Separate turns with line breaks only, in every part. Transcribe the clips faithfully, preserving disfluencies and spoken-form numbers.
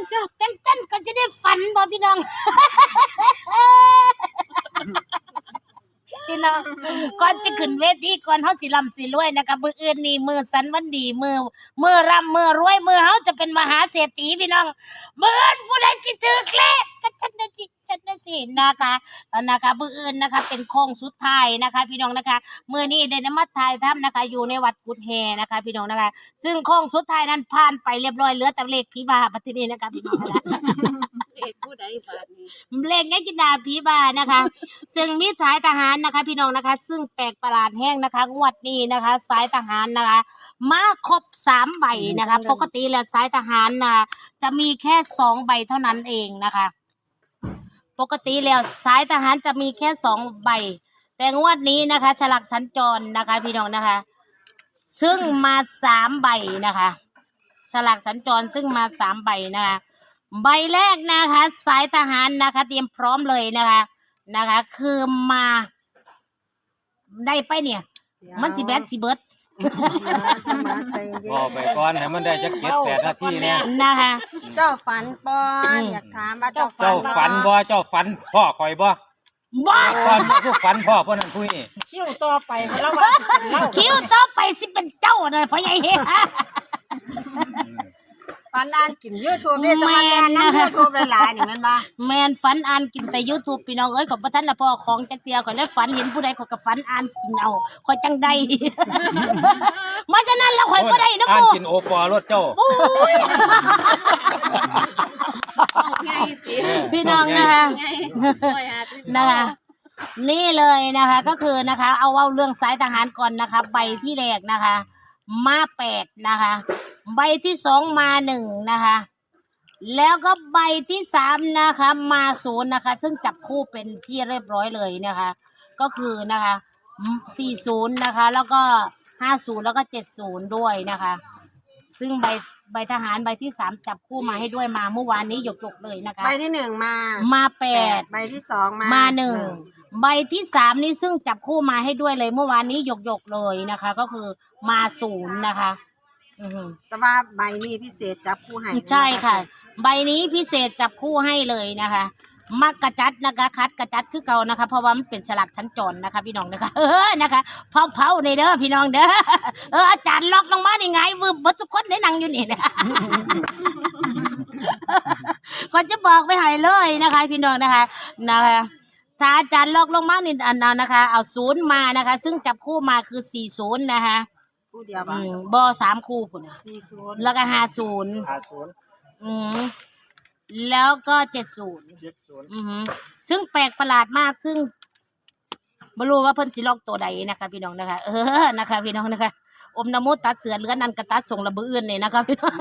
ก็เต้นเต้นก็จะได้ฝันบ่พี่น้องพี่น้องก่อนจะขึ้นเวทีก่อนเฮาสิร่ำสิรวยนะคะมื้ออื่นนี่มื้อสันวันดีมื้อมื้อร่ำมื้อรวยมื้อเฮาจะเป็นมหาเศรษฐีพี่น้องมื้ออื่นผู้ใดสิถูกเลขก็ฉันน่ะสิฉันน่ะสินะคะนะคะมื้ออื่นนะคะเป็นโค้งสุดท้ายนะคะพี่น้องนะคะมื้อนี้ได้นำมาถ่ายทำนะคะอยู่ในวัดกุดแฮนะคะพี่น้องนะคะซึ่งโค้งสุดท้ายนั้นผ่านไปเรียบร้อยเหลือแต่เลขผีบ้าบัดนี้นะคะพี่น้องนะคะ
เลขผู้ใดบาดนี้
เลขไงจินดาผีบ้านะคะซึ่งมีสายทหารนะคะพี่น้องนะคะซึ่งแปลกประหลาดแห้งนะคะงวดนี้นะคะสายทหารนะคะมาครบสามใบนะคะปกติแล้วสายทหารนะจะมีแค่สองใบเท่านั้นเองนะคะปกติแล้วสายทหารจะมีแค่สองใบแต่งวดนี้นะคะฉลากสัญจรนะคะพี่น้องนะคะซึ่งมาสามใบนะคะฉลากสัญจรซึ่งมาสามใบนะคะใบแรกนะคะสายทหารนะคะเตรียมพร้อมเลยนะคะนะคะคือมาได้ไปเนี่ยมันสิแบดสิเบิด
บอกไปก่อนให้มันได้จักเจ็ดแปดนาทีเนี่ย
นะคะ
เจ้าฝันบ่อยากถามว่าเจ้าฝัน
เจ้าฝันบ่เจ้าฝันพ่อคอยบ่
บ่
ก่อนผู้ฝันพ่อเพิ่นนั่นผู้นี้
คิวต่อไปแล้วว่า
คิวต่อไปสิเป็นเจ้าน่ะพ่อใหญ่เฮ็ด
ฝันอ่านกิน YouTube นี่ต้องมาแนะนำ YouTube หลายๆนี่แม่นบ่
แม่นฝันอ่านกินแต่ YouTube พี่น้องเอ้ยขอบบ่ทันละพ่อของจักเตียข่อยแล้วฝันเห็นผู้ใดข่อยก็ฝันอ่านกินเอาข่อยจังได๋มาฉะนั้นแล้วข่อยบ่ได้นะ
อ่านกินโอปอรถเจ้า
พี่น้องนะคะนะคะนี่เลยนะคะก็คือนะคะเอาเอาเรื่องสายทหารก่อนนะคะใบที่แรกนะคะมาแปดนะคะใบที่สองมาหนึ่งนะคะแล้วก็ใบที่สามนะคะมาศูนย์นะคะซึ่งจับคู่เป็นที่เรียบร้อยเลยนะคะก็คือนะคะสี่ศูนย์นะคะแล้วก็ห้าศูนย์แล้วก็เจ็ดศูนย์ด้วยนะคะซึ่งใบใบทหารใบที่สามจับคู่มาให้ด้วยมาเมื่อวานนี้หยกๆเลยนะคะ
ใบที่หนึ่งมา
มาแปด
ใบที่สองมา
มาหนึ่งใบที่สามนี่ซึ่งจับคู่มาให้ด้วยเลยเมื่อวานนี้หยกๆเลยนะคะก็คือมาศูนย์นะคะ
แต่ว่าใบนี้พิเศษจับคู่ให้
ใช่ค่ะใบนี้พิเศษจับคู่ให้เลยนะคะมักกระจัดนะคะคัดกระจัดคือเก่านะคะเพราะว่ามันเป็นฉลากชั้นจรนะคะพี่น้องนะคะเออนะคะเผาเผาในเด้อพี่น้องเด้อเอออาจารย์ล็อกลงมาได้ไงวืบบัดทุกคนได้นั่งอยู่นี่นะก็จะบอกไปให้เลยนะคะพี่น้องนะคะนะคะถ้าอาจารย์ล็อกลงมานี่อันนั้นนะคะเอาศูนย์มานะคะซึ่งจับคู่มาคือสี่ศูนย์นะคะ
คู่เดียวบ่
บ่สามคู่พุ่น
สี่ศูนย์
แล้วก็ห้าศูนย์
ห้าศูนย์
อืมแล้วก็เจ็ดศูนย์
เจ็ดศูนย์
อือซึ่งแปลกประหลาดมากซึ่งบ่รู้ว่าเพิ่นสิล็อกตัวใดนะคะพี่น้องนะคะเออนะคะพี่น้องนะคะอมน้ำโมตัดเสือเหลือนั่นกระตัดส่งระเบืออื่นนี่นะคะพี่น้อง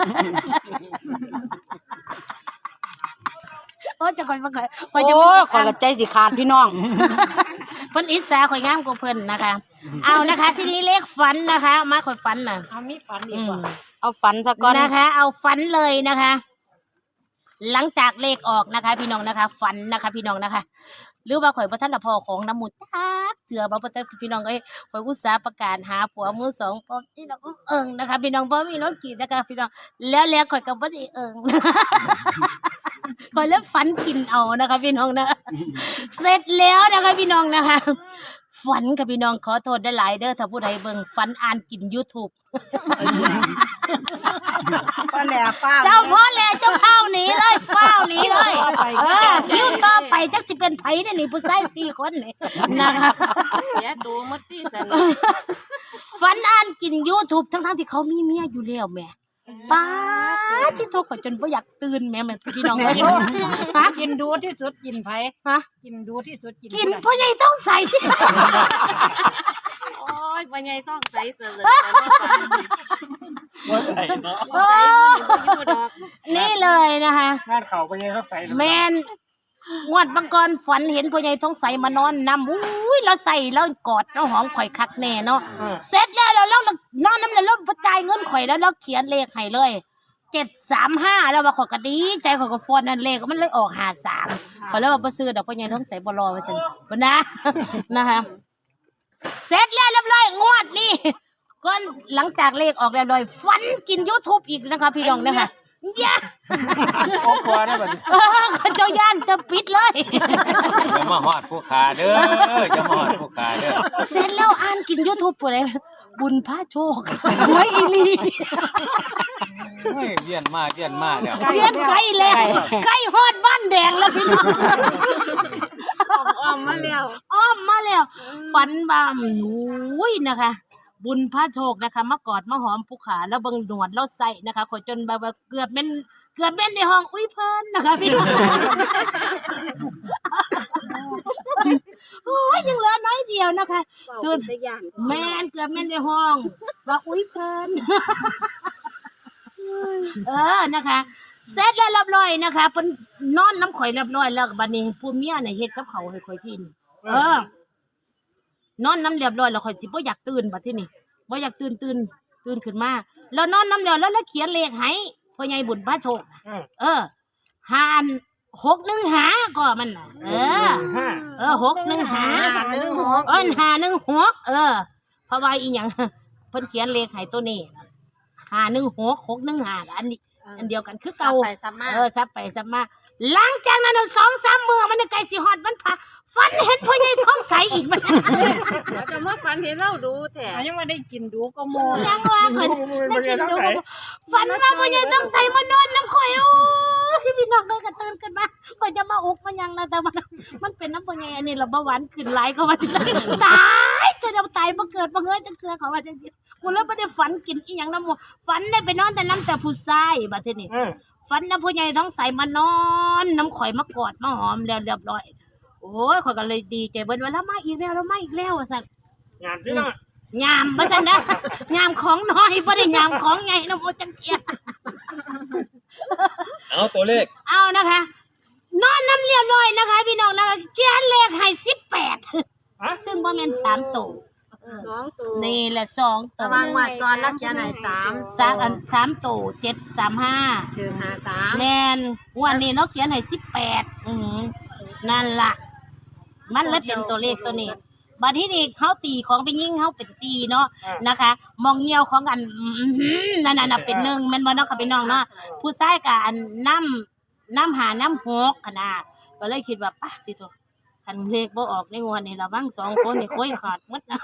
โอ้จะก่อนมาก่อน
โอ้ก่อนใจสิขาดพี่น้อง
เพิ่นอิจฉาข่อยงามกว่าเพิ่นนะคะเอานะคะทีนี้เลขฝันนะคะมาข่อยฝันน่ะ
เอามีฝันดีกว่าเอาฝันซะก่อน
นะคะเอาฝันเลยนะคะหลังจากเลขออกนะคะพี่น้องนะคะฝันนะคะพี่น้องนะคะหรือว่าข่อยบ่ทันละพอของน้ำมูตาเถื่อบ่ทันพี่น้องเอ้ยข่อยอุตส่าห์ประกาศหาผัวมือสองพร้อมพี่น้องเอิงนะคะพี่น้องบ่มีรถขี่นะคะพี่น้องแล้วแล้วข่อยก็บ่ได้เอิงข่อยแล้วฝันกินเอานะคะพี่น้องนะเสร็จแล้วนะคะพี่น้องนะคะฝันกับพี่น้องขอโทษได้หลายเด้อถ้าผู้ใดเบิ่งฝันอ่านกิน YouTube
พ่อแหล่ฟ้า
เจ้าพ่อแหล่เจ้าข้าวหนีเลยฟ้าวหนีเลยเออคิวต่อไปจักสิเป็นไผเนี่ยนี่ผู้ชายสี่คนนี่นะคะ
เสียตัวหมดที่ซั่น
ฝันอ่านกิน YouTube ทั้งๆที่เขามีเมียอยู่แล้วแม่ป้าที่โทรจนบ่อยากตื่นแม่เหมือนพี่น้องกิน
ฮะกินดูที่สุดกินไผ
ฮะ
กินดูที่สุดกิน
กินพ่อใหญ่ต้องใส่
โอ้ยพ่อใหญ่ต้องใส่เสือเลย
บ่ใส่เนาะ
บ่ใส่บ่อยู่ดอก
นี่เลยนะคะ
งานเขาพ่อใหญ่ต้องใส่
แม่นงวดบางกรฝันเห็นพ่อใหญ่ท้องใสมานอนนำอุ้ยแล้วใส่แล้วกอดแล้วหอมข่อยคักแน่เนาะเสร็จแล้วแล้วแล้วนอนน้ำแล้วแล้วจ่ายเงินข่อยแล้วแล้วเขียนเลขให้เลยเจ็ดสามห้าแล้วว่าข่อยก็ดีใจข่อยก็ฟ้อนนั่นเลขมันเลยออกห้าสามข่อยแล้วว่าบ่ซื้อดอกพ่อใหญ่ท้องใสบ่รอว่าซั่นบ่นะนะคะเสร็จแล้วเรียบร้อยงวดนี้ก่อนหลังจากเลขออกเรียบร้อยฝันกิน YouTube อีกนะคะพี่น้องนะคะยะ
โอ้กลัวได้แบบนี้
เจ้าย่านจะปิดเลย
อย่ามาฮอดผู้ขาเด้ออย่ามาฮอดผู้ขาเด้อ
เสร็จแล้วอ่านกิน YouTube ผู้ใดบุญพระโชคหวยอีหลี
เฮ้ยเวียนมาเวียนมาแล้ว
เรียนไกลแล้วใกล้ฮอดบ้านแดงแล้วพี่น้อง
อ้อมมาแล้ว
อ้อมมาแล้ว ฝันบ่าอุ้ยนะคะ บุญพระโชคนะคะ มากอดมาหอมผู้ขาแล้วเบิ่งหนวดแล้วใส่นะคะขอยจนแบบว่าเกือบเป็นเกือบเป็นในห้องอุ้ยเพิ่นนะคะพี่น้องโอ้ยยังเหลือน้อยเดียวนะคะจนแม่นเกือบแม่นในห้องว่าอุ้ยเพิ่นเออนะคะเสร็จแล้วเรียบร้อยนะคะเพิ่นนอนน้ำข่อยเรียบร้อยแล้วบัดนี้ผู้เมียน่ะเฮ็ดกับเขาวให้ข่อยกินเออนอนน้ำเรียบร้อยแล้วข่อยสิบ่อยากตื่นบัดทีนี้บ่อยากตื่นตื่นตื่นขึ้นมาแล้วนอนน้ำแล้วแล้วแล้วเขียนเลขให้พ่อใหญ่บุญพระโชคเออหานหกหนึ่งหาก็มันน่ะเออเออหกหนึ่งหาเออหาหนึ่งหกเออเพราะว่าอีหยังเพิ่นเขียนเลขให้ตัวนี้หาหนึ่งหกหกหนึ่งหาอันนี้อันเดียวกันคือเก่า
ไปซ้ำมา
เออซับไปซับมาหลังจากนั้นสองสามมื้อมันใกล้สิฮอดมันพาฝันเห็นพ่อใหญ่ท้องใสอีกมัน
แล้วก็มาฝันเห็นเราดูแท้
ยังไม่ได้กินดูก็โม
ยังว่าเพิ่นได้กินดูฝันว่าพ่อใหญ่ท้องใสมานอนน้ำข่อยโอ้ยพี่น้องเลยก็ตื่นขึ้นมาข่อยจะมาอุกมันยังนะแต่มันมันเป็นน้ำพ่อใหญ่อันนี้เราเบาหวานขึ้นหลายก็ว่าจังตายจะจะตายบ่เกิดบ่เงยจังเกือเขาว่าจังซี่กูเลยบ่ได้ฝันกินอีหยังนำหมู่ฝันได้ไปนอนแต่น้ำแต่ผู้ชายบัดทีนี้ฝันน้ำพ่อใหญ่ท้องใสมานอนน้ำข่อยมากอดมาหอมแล้วเรียบร้อยโอ้ยข่อยก็เลยดีใจเบิ่นว่าแล้วมาอีกแล้วแล้วมาอีกแล้วว่าซั่น
งานพี่น้อง
ยามว่าซั่นนะยามของน้อยบ่ได้ยามของใหญ่นำโอจังเทีย
เอาตัวเลข
เอานะคะ นอนน้ำเรียบร้อยนะคะพี่น้องนะคะเขียนเลขให้สิบแปดซึ่งบ่แม่นสามตัว
สองตัว
นี่แหละสองตั
ระ
ว
วังวัดก่อนแล้วแกไหนสาม
สามอันสามตัวเจ็ดสามห้า
ถึงหาสาม
แม่นวันนี้เราเขียนให้สิบแปดอือนั่นล่ะมันเลยเป็นตัวเลขตัวนี้บัดที่นี่เขาตีของไปยิ่งเขาเป็นจีเนาะนะคะ มองเหี่ยวของอันอื้อหือนั่นน่ะเป็นหนึ่งแม่นบ่เนาะค่ะพี่น้องเนาะผู้ชายกับอันน้ำน้ำหาน้ำหกขนาดก็เลยคิดว่าป่ะสิโตคันเลขบ่ออกในงวดนี้ระวังสองคนนี่ค่อยขาดหมดนะ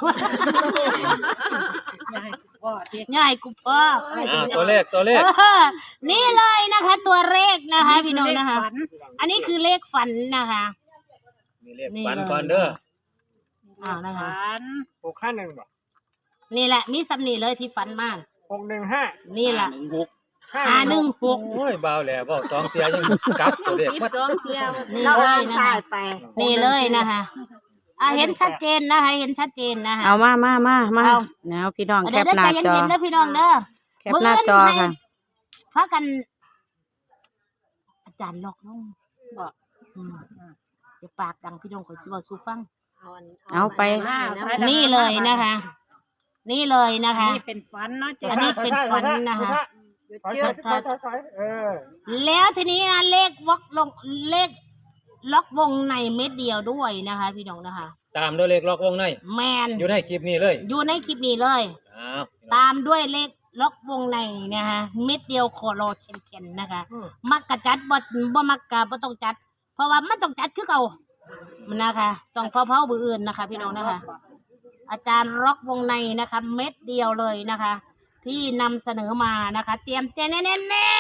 ง่ายกูพ่อ
อ่าตัวเลขตัวเลข
เออนี่เลยนะคะ ตัวเลขนะคะพี่น้องนะคะ อันนี้คือเลขฝันนะคะ
มีเลขฟันก่อนเด้อ
อ้าวนะคะ
หกห้าหนึ่งบ่
นี่แหละมีสำนีเลยที่ฝันมาก
หกหนึ่งห้า
นี่แหละ
หนึ่งหก
ห้าหนึ่งหก
โอ้ยเบาแล้วเบาสองเสียยังกลับตัวเลขมา
สองเที่ยว
นี่
เรา
เล
อ่าย น
นะ
ถ่า
คะ
ยไป
นี่เลยนะคะอ่ะเห็นชัดเจนนะคะ เห็นชัดเจนนะคะ
เอามามามามา
เอา
แล้วพี่น้องแค
เดี๋ยว
ป
ได้
หน้า
ใจ
จอ
เย็นๆนะพี่น้องเด้อ
แคปหน้าจอค่ะ
พากัน อาจารย์หลอกน้องบอกอืมเดี๋ยวปากดังพี่น้องขอชิบสู้ฟัง
เอาไป
นี่เลยนะคะ นี่เลยนะคะ
นี่เป็นฟันเนาะ
อันนี้เป็นฝันนะคะ
ถอยถอยถอยถอยถอยเออ
แล้วทีนี้นะเลขวอกลงเลขล็อกวงในเม็ดเดียวด้วยนะคะ พี่น้องนะคะ
ตามด้วยเลขล็อกวงใน
แมน
อยู่ในคลิปนี้เลย
อยู่ในคลิปนี้เลย
อ้าว
ตามด้วยเลขล็อกวงในนะคะเม็ดเดียวโคโลเข็นๆนะคะ มักกะจัดบ่บ่มักกะบ่ต้องจัด เพราะว่ามันต้องจัดคือเก่ามันนะคะต้องเผาๆบื้ออื่นนะคะ พี่น้องนะคะ อาจารย์ล็อกวงในนะคะ เม็ดเดียวเลยนะคะ ที่นำเสนอมานะคะ เตรียมเจนแน่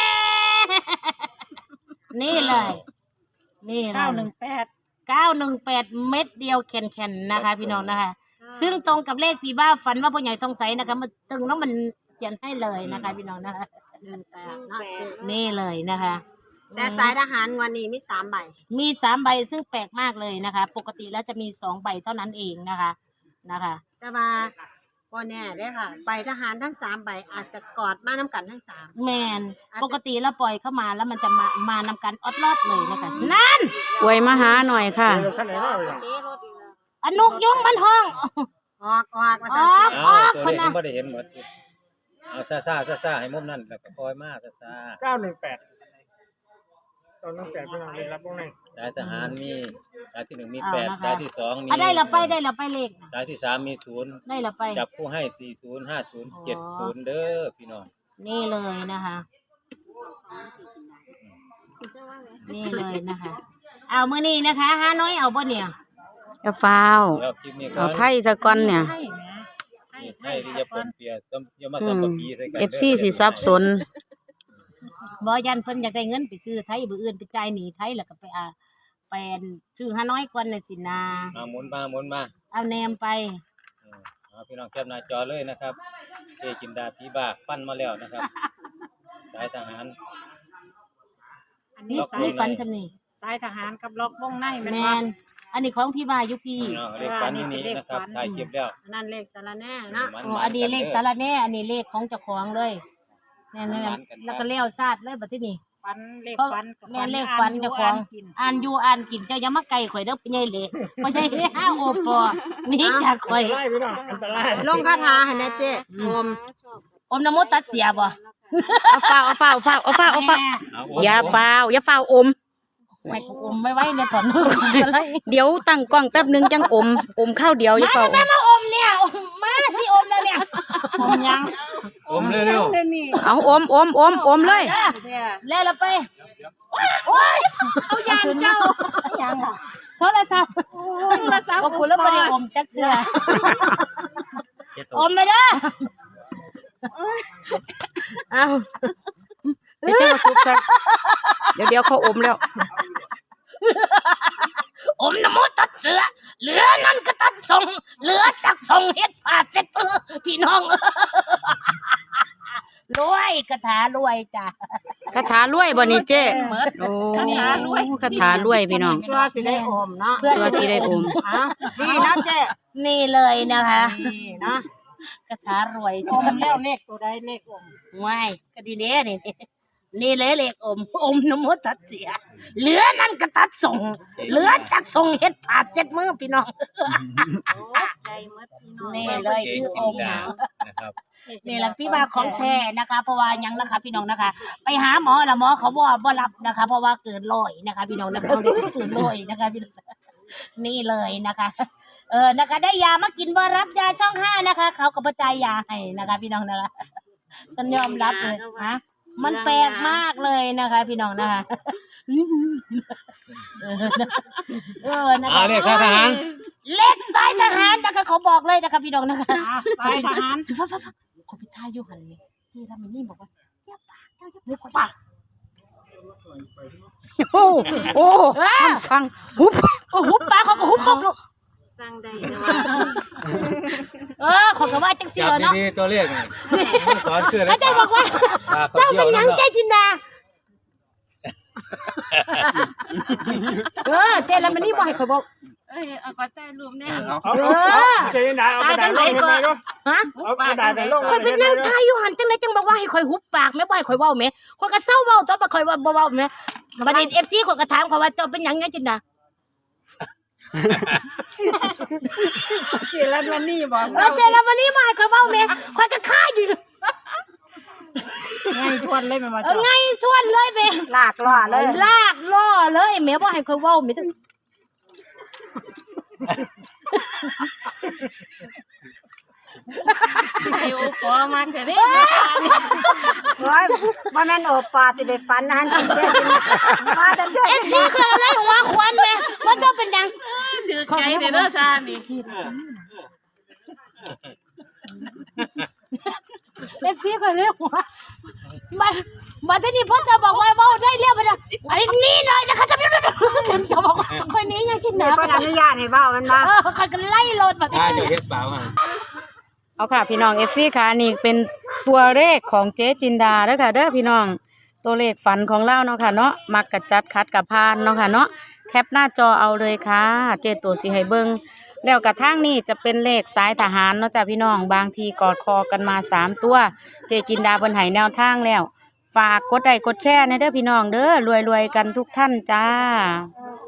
ๆนี่เลย นี่เลย
เก้าหนึ่งแปด
เก้าหนึ่งแปดเม็ดเดียวแข็งๆนะคะ พี่น้องนะคะ ซึ่งตรงกับเลขพี่บ้าฝันว่าพ่อใหญ่สงสัยนะคะมันตึงแล้วมันเขียนให้เลยนะคะ พี่น้องนะคะ
หนึ่งแปดเนาะ
นี่เลยนะคะ
แต่สายทหารวันนี้มีสามใบ
มีสามใบซึ่งแปลกมากเลยนะคะ ปกติแล้วจะมีสองใบเท่านั้นเองนะคะนะคะ
แต่ว่าก็แน่เด้อค่ะใบทหารทั้งสามใบอาจจะกอดมาน้ำกันทั้งสาม
แมนปกติแล้วปล่อยเข้ามาแล้วมันจะมามานำกันออดรอดเลยนะคะนั่น
อวยมาหาหน่อยค่ะ
เดี๋ยวขั้นไหนเล่าเลย
อนุกยุงมันห้อง
ออกออกมา
อ
สั่
อก
อ้าวตัวเลขยังไม่ได้เห็นหมดเอาซ่าซ่าซ่าซ่าให้มุมนั่นแล้วก็คอยมาซ่าซ่า
เก้าหนึ่งแปดตอนน้องแปดพี่น้องเรียนรับวงใน
สายทหารมีสายที่หนึ่งมีแปดสายที่สองมี
อ่ะได้เราไปได้เราไปเลขน่ะ
สายที่สามมีศูนย์
ได้เราไป
จับผู้ให้สี่ศูนย์ห้าศูนย์เจ็ดศูนย์เด้อพี่น้อง
นี่เลยนะคะนี่เลยนะคะ เอามื้อนี้นะคะห้าน้อยเอาบ่เนี่ย
อย่าฟาว
เดี๋ยวคลิปนี้ก่
เอา
อน
ไทยซะก่อนเนี่ย
ให้แหมให้
นี่
ให้
ให้ที่จะปนเปียซ้ำอย่ามาซ้ำกับปีใส่กัน
เอฟซีสิสับสน
บ่ยันเพิ่นอยากได้เงินไปซื้อไทยบื้ออื่นไปจ่ายหนี้ไทยแล้วก็ไปอ่าไปซื้อห้าน้อยก่อนน่ะสินะ
มาหมุนมาหมุนมา
เอาแนมไป
อืมเอาพี่น้องแคปหน้าจอเลยนะครับเจจินดาพี่บ้าปั้นมาแล้วนะครับ สายทหาร
อัน
นี่
นี้
ล็อก
สาย
นี่ฝันจำนี่
สายทหารกับล็อกวงในแม่น
แม
บ่
นอันนี้ของพี่บายุพี่
เอาเลขฟันอยู่นี่นะครับถ่ายคลิปแล้ว
อันนั้นเลขสารแหน่เนาะ
มัน
โอ้อันนี้เลขสารแหน่อันนี้เลขของเจ้าของเลยแน่ๆแล้วก็เลี้ยวซาดเลยบัดที่นี่
ฟันเลข
เพราะ
ฟันกับ
แม่เลขฟันเจ้าของ
กิน
อ่านอยู่อ่านกินเจ้าอย่ามาไกลข่อยเด้อเป็นไงเละบ่ใช่ห้าโอปอนี่จากข่อย
ไล่พี่น้องอันตราย
ลงคาถาให้นะเจ๊โอม
อมน้ำมดตัดเสียบ่
เอาฟาวเอาฟาวเอาฟาวเอาฟาวเอาฟาว
เอา
อย่าฟาวอย่าฟาวอม
ไม่กูอมไม่ไหวเนี่ยตอนนู้นอะไร
เดี๋ยวตั้งกล้องแป๊บหนึงจังอมอมข้าวเดียวอย่า
มา
ฟาว
จะมาอมเนี่ยอมมาสิอมแล้วเนี่ยอมยัง
อมเร็ว
เดี๋ยวนี้
เอาอมอมอมอมเลย
แล้วเราไปโอ้ยเขายานเจ้ายังอ่ะโทรศัพท์โทรศัพท์กูแล้วไม่ได้อมจักเสือ
ๆเจ็ด
อ
ตัว
มไปเด้อเอา
เดี๋ยวเจ้าซุปซะเดี๋ยวเดี๋ยวเขาอมแล้ว
อมน้ำมดตัดเสือเหลือนั่นก็ตัดส่งเหลือจากส่งเฮ็ดผ้าเสร็จเออพี่น้องรวยกระถารวยจ้ะ
คาถารวยบ่นี่เจ้โอ้
คาถารวย
คาถารวยพี่น้อง
เพื่อสิได้โอมเนาะ
เพื่อ
ตัวสิได้อม
อ้าวนี่เนาะเจ๊
นี่เลยนะคะ
นี่เนาะ
กระถารวย
อมแล้วเลขตัวใดเลขอม
ว้ายก็ดีเด้นี่นี่เลยเลขอมอมน้ำมดตัดเสียเหลือนั่นก็ตัดส่งเหลือจากส่งเฮ็ดผ้าเสร็จมือพี่น้อง
ใจมัดพี่น้อง
นี่เลย
เจ
ชื่อ
จิ
อน ม
ดานะครับ
นี่แหละพี่บาของแท้นะคะ เพราะว่ายังนะคะ พี่น้องนะคะ ไปหาหมอละหมอเขาบอกว่าบ่รับนะคะ เพราะว่าเกินร้อยนะคะ พี่น้องนะคะเกินร้อยนะคะพี่น้องนี่เลยนะคะ เออนะคะ ได้ยามากินว่ารับยาช่องห้านะคะ เขาก็ประจายยาให้นะคะ พี่น้องนะคะฉันยอมรับเลยฮะมันแปลกมากเลยนะคะ พี่น้องนะคะเออเออนะคะ
เอาเลขสายทหาร
เลขสายทหารนะคะเขาบอกเลยนะคะ พี่น้องนะคะ
สายทหาร
สิฟ้าฟ้าฟ้าคนพิทาอยู่หันเลยที่ทำมันนี่บอกว่าอย่าปากเจ้าอย่าปากปาก
โอ้โอ้คำสั่งหุบ
โอ้หุบปากเขาก็หุบเขาลูก
สร้างได้แต่ว่า
เออขอยก็ว่าจังสิ
จับ
เนาะ
ดีๆตัวเลขนี่มันสอนคืออะไร
เขาใจบอกว่า
ตาเขา
เจ้า
เดีย
เป็
วน
หยั
นั่
ง
น
ใจ
เนาะ
จินดาเออเจแล้วมันนี่บ่ให้ข่อยบอก
เอ้ยเอาก็ใจรวมแน่
เอาเอาเจนดาเอากระดาษลงให้ไหมก็
ฮะ
เอากระดาษไปลง
ข่อยเป็นยังทายอยู่หันจังเลยจังบอกว่าให้ข่อยหุบปากแม่บ่ให้ข่อยเว้าแม่ข่อยก็เศร้าเว้าตอนบ่ข่อยว่าบ่เว้าแม่บัดนี้ เอฟ ซี ข่อยก็ถามข่อยว่าเจ้าเป็นหยังไงจินดา
สิแล้วมันนี่บอก
เราเจแล้วมันนี่บ่ให้ข่อยเว้าแม่ข่อยก็คายอยู่
ไงทวนเลยแม่นบ่
เออไงทวนเลยแม่
ลากล่อเลย
ลากล่อเลยแม่บ่ให้ข่อยเว้าแม่ตึ
ไอ้โอปอมันเถอะเด้โอ้ยบ่แม่นโอปอสิได้ฝันนั้นจริงเจ๊มาแต่เจ๊
เอฟซีเคยอะไรหัวควันแม่ว่าเจ้าเป็นหยัง
ถือใจเด้อเด้อทานนี่
เอฟซีเคยเลยหัวมามาที่นี่พ่อจะบอกว่าเว้าได้เรียบไปนะไอ้นี่เลยนะคะจะจนจะบอกว่าคนนี้ยังกินหนา
เพิ่นอนุญาตให้เว้ามันบ่
เออใครก็ไล่รถมา
ตาเจะเฮ็ดเปล่าอ่ะ
เอาค่ะพี่น้อง เอฟ ซี ค่ะนี่เป็นตัวเลขของเจ๊จินดาเด้อค่ะเด้อพี่น้องตัวเลขฝันของเราเนาะค่ะเนาะมักกะจัดคัดกะพานเนาะค่ะเนาะแคปหน้าจอเอาเลยค่ะเจ๊ตัวสิให้เบิ่งแล้วกระทั่งนี่จะเป็นเลขสายทหารเนาะจ้ะพี่น้องบางทีกอดคอกันมาสามตัวเจ๊จินดาเพิ่นให้แนวทางแล้วฝากกดไลค์กดแชร์ในเด้อพี่น้องเด้อรวยๆกันทุกท่านจ้า
ค